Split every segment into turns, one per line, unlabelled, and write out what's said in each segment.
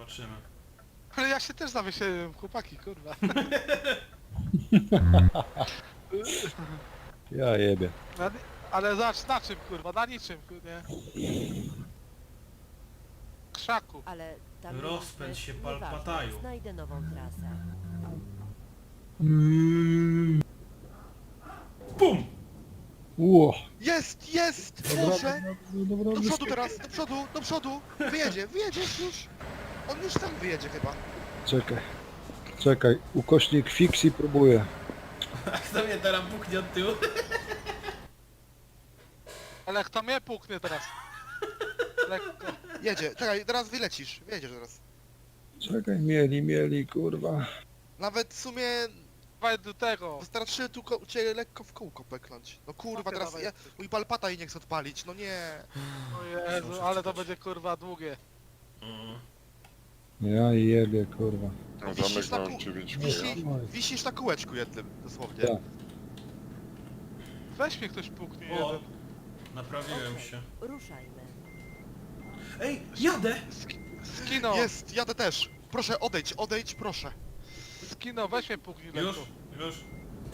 zobaczymy.
Ale ja się też zawiesiłem, chłopaki, kurwa.
Ja jebie.
Ale zobacz na czym, kurwa, na niczym, nie? Krzaku.
Ale tam
Rozpędź się,
nieważne,
Palpataju.
znajdę nową trasę.
Pum!
Ło.
Jest, jest! Boże! Do przodu teraz, do przodu! Wyjedziesz już! On już tam wyjedzie chyba.
Czekaj. Ukośnik Fixi próbuje.
A kto mnie teraz puknie od tyłu?
Ale kto mnie puknie teraz? Lekko.
Jedzie, czekaj, teraz wylecisz. Wyjedziesz teraz.
Czekaj, mieli, kurwa.
Nawet w sumie
Dawaj do tego.
wystarczy tu cię lekko w kółko peknąć. No kurwa,
Okej,
teraz
dawaj.
mój palpata i nie chce odpalić, no nie.
O Jezu, ale to będzie kurwa długie.
Ja jebie, kurwa.
No
Wisisz
zamek
na
mam
kół-
9
Wisisz na kółeczku jednym, dosłownie.
Tak.
Weź mnie ktoś puknie
O,
jeden.
naprawiłem
Okej,
się.
ruszajmy.
Ej, jadę!
Skino,
Jest, jadę też. Proszę, odejdź, proszę.
Skino, weź mnie puknij lekko.
Już.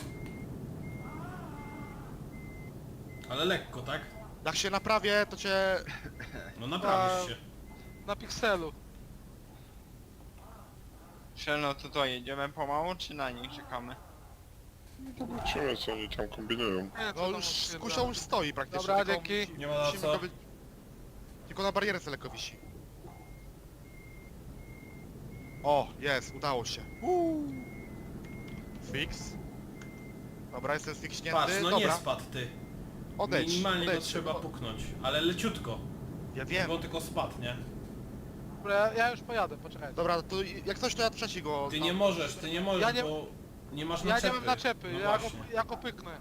Ale lekko, tak?
Jak się naprawię, to cię...
No naprawisz się.
Na pikselu.
No to co, jedziemy pomału, czy na nich czekamy?
Zobaczymy co oni tam kombinują.
Nie, co
No
tam
już,
odpierdala.
kusza już stoi praktycznie.
Dobra,
tylko
dzięki.
Nie ma na
musimy
co.
Tylko na barierce lekko wisi. O, jest, udało się. Fix. Dobra, jestem sfixnięty.
Patrz, no
Dobra,
nie spadł ty.
odejdź.
Minimalnie go
odejdź.
trzeba puknąć, ale leciutko.
Ja wiem.
Bo tylko spadł, nie?
Dobra, ja już pojadę, poczekaj.
Dobra, to jak coś to ja trzeci go...
Ty
tam-
nie możesz,
Ja nie-
bo nie masz
Ja
naczepy.
nie mam naczepy,
No właśnie.
ja go pyknę.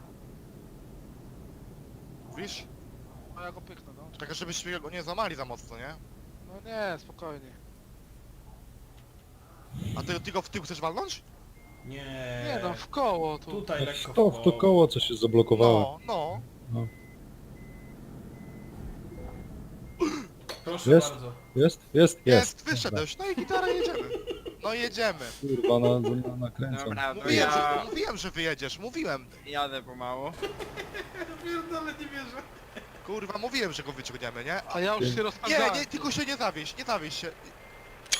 Wiesz?
No ja go pyknę, no.
Tak, żebyśmy go nie złamali za mocno, nie?
No nie, spokojnie.
A ty go w tył chcesz walnąć?
Nie.
Nie no, w koło tu.
Tutaj lekko
To w to koło co się zablokowało.
No.
Proszę
Jest?
bardzo.
Jest.
Wyszedłeś, no i gitara jedziemy. No jedziemy.
Kurwa, nakręcam.
Dobra, to
Mówiłem,
ja
mówiłem, że wyjedziesz, mówiłem.
jadę pomału.
Nawet nie wierzę.
Kurwa, mówiłem, że go wyciągniemy, nie?
A ja już się
Nie,
rozpędzałem.
nie, tylko się nie zawieś się.